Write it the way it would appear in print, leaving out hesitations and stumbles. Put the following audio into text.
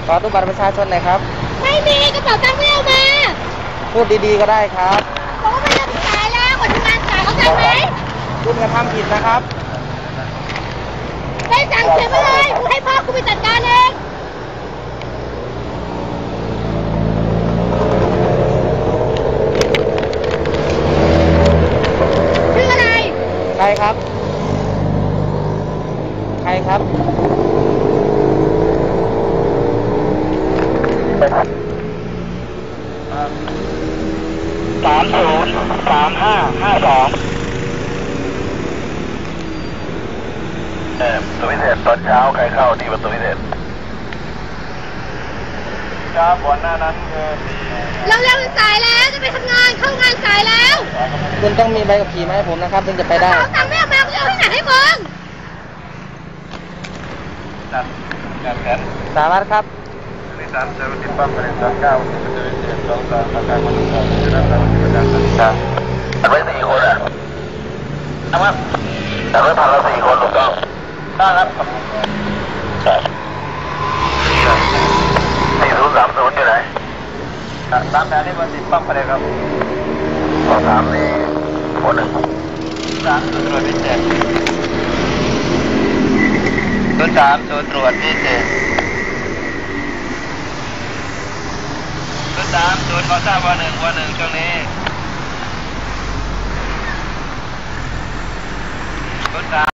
ขอตู้บัตรประชาชนหน่อยครับไม่มีกระเป๋าตังค์ไม่เอามาพูดดีๆก็ได้ครับบอกว่าไม่ได้สายแล้วคนทำงานสายเข้าใจไหมคุณกระทำผิดนะครับได้สั่งเขียนไปเลยกูให้พ่อกูไปจัดการเองชื่ออะไรใครครับใครครับ 303552ประตูพิเศษตอนเช้าใครเข้าที่ประตูพิเศษครับก่อนหน้านั้นเราเร็วสายแล้วจะไปทำงานเข้างานสายแล้วคุณต้องมีใบขับขี่มาให้ผมนะครับถึงจะไปได้เขาตังค์ไม่เอามาจะเอาที่ไหนให้มึงจัดแผนสารวัตรครับใน3เจอติดปั๊มใน39ประตูพิเศษ2 3ประการคน2จะได้รับประกันสัญญาอันไว้4คนนะครับแต่ไม่พันละ4คนถูกต้องได้ครับ4030อยู่ไหนตามแผนที่มันติดปั๊มไปเลยครับ3นี่คน1 3ตรวจพิเศษ03ตรวจพิเศษ03ขอทราบวัน1ช่วงนี้03